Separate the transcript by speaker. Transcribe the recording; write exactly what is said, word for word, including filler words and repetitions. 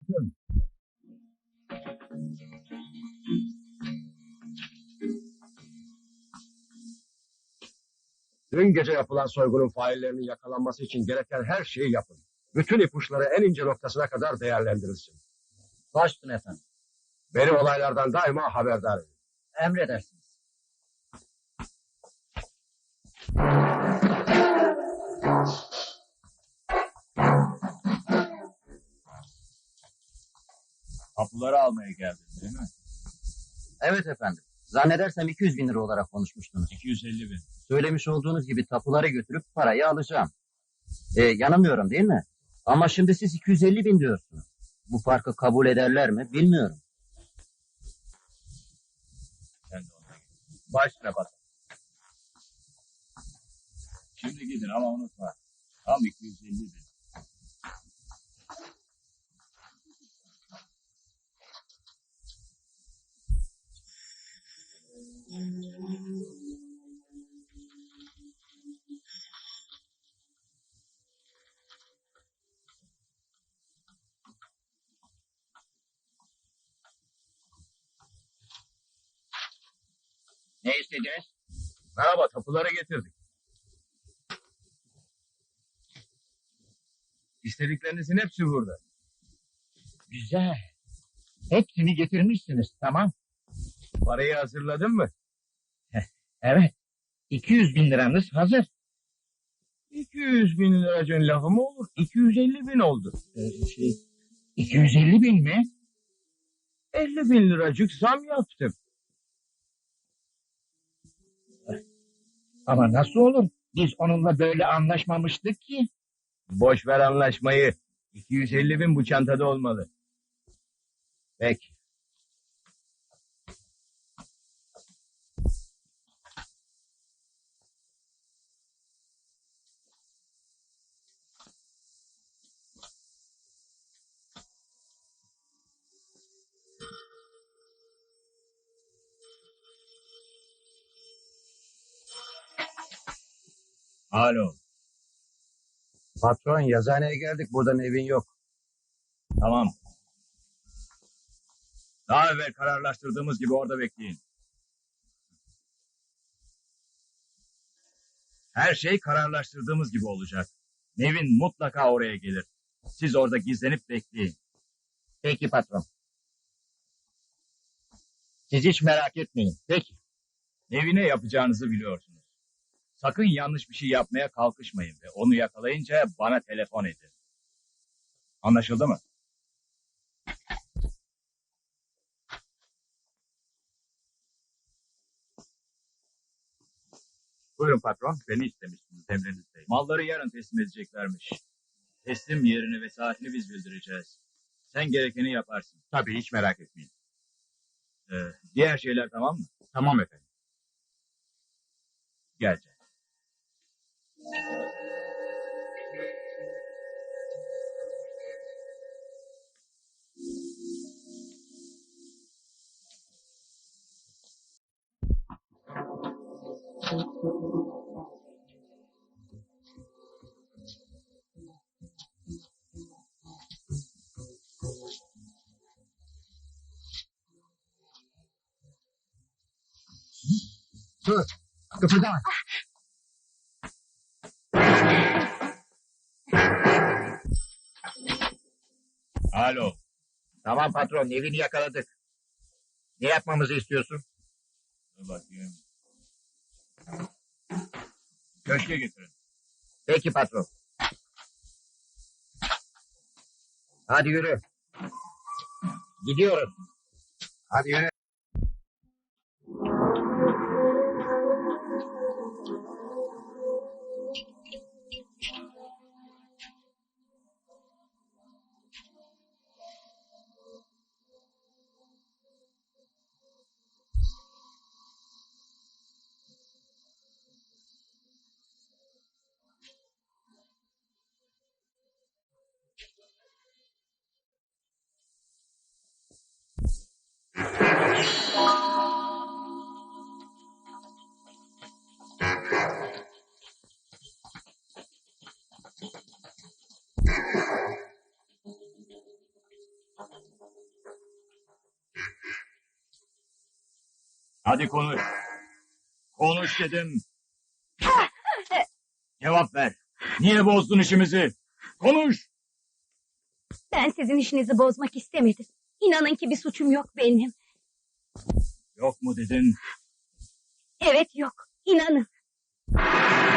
Speaker 1: sakın. Dün gece yapılan soygunun faillerinin yakalanması için gereken her şeyi yapın. Bütün ipuçları en ince noktasına kadar değerlendirilsin.
Speaker 2: Baş üstüne efendim.
Speaker 1: Beni olaylardan daima haberdar edin.
Speaker 2: Emredersiniz.
Speaker 3: Tapuları almaya geldin değil mi?
Speaker 2: Evet efendim. Zannedersem iki yüz bin lira olarak konuşmuştunuz.
Speaker 3: iki yüz elli bin.
Speaker 2: Söylemiş olduğunuz gibi tapuları götürüp parayı alacağım. Ee, yanılmıyorum değil mi? Ama şimdi siz iki yüz elli bin diyorsunuz. Bu farkı kabul ederler mi bilmiyorum.
Speaker 3: Sen de ona git. Başla bak. Şimdi gidin ama unutma. Tam iki yüz elli bin.
Speaker 2: Ne istediniz?
Speaker 3: Merhaba, tapuları getirdik. İstediklerinizin hepsi burada.
Speaker 2: Güzel. Hepsini getirmişsiniz, tamam.
Speaker 3: Parayı hazırladın mı?
Speaker 2: Evet. iki yüz bin liranız hazır.
Speaker 3: iki yüz bin liracın lafı mı olur? iki yüz elli bin oldu.
Speaker 2: Ee, şey, iki yüz elli bin mi?
Speaker 3: elli bin liracık zam yaptım.
Speaker 2: Ama nasıl olur? Biz onunla böyle anlaşmamıştık ki.
Speaker 3: Boş ver anlaşmayı. iki yüz elli bin bu çantada olmalı.
Speaker 2: Peki.
Speaker 3: Alo.
Speaker 1: Patron, yazıhaneye geldik. Buradan evin yok.
Speaker 3: Tamam. Daha evvel kararlaştırdığımız gibi orada bekleyin. Her şey kararlaştırdığımız gibi olacak. Nevin mutlaka oraya gelir. Siz orada gizlenip bekleyin.
Speaker 2: Peki patron. Siz hiç merak etmeyin. Peki.
Speaker 3: Nevin'e yapacağınızı biliyorsunuz. Sakın yanlış bir şey yapmaya kalkışmayın ve onu yakalayınca bana telefon edin. Anlaşıldı mı?
Speaker 4: Buyurun patron, beni istemiştiniz, emrinizdeyim.
Speaker 3: Malları yarın teslim edeceklermiş. Teslim yerini ve saatini biz bildireceğiz. Sen gerekeni yaparsın.
Speaker 4: Tabii, hiç merak etmeyin.
Speaker 3: Ee, diğer şeyler tamam mı?
Speaker 4: Tamam efendim.
Speaker 3: Gel canım.
Speaker 1: Dur, kıpırdama.
Speaker 3: Alo.
Speaker 2: Tamam patron, evini yakaladık. Ne yapmamızı istiyorsun?
Speaker 3: Dur bakayım. Köşke getirin.
Speaker 2: Peki patron. Hadi yürü. Gidiyoruz.
Speaker 1: Hadi yürü.
Speaker 3: Hadi konuş. Konuş dedim. Cevap ver. Niye bozdun işimizi? Konuş.
Speaker 5: Ben sizin işinizi bozmak istemedim. İnanın ki bir suçum yok benim.
Speaker 3: Yok mu dedin?
Speaker 5: Evet yok. İnanın.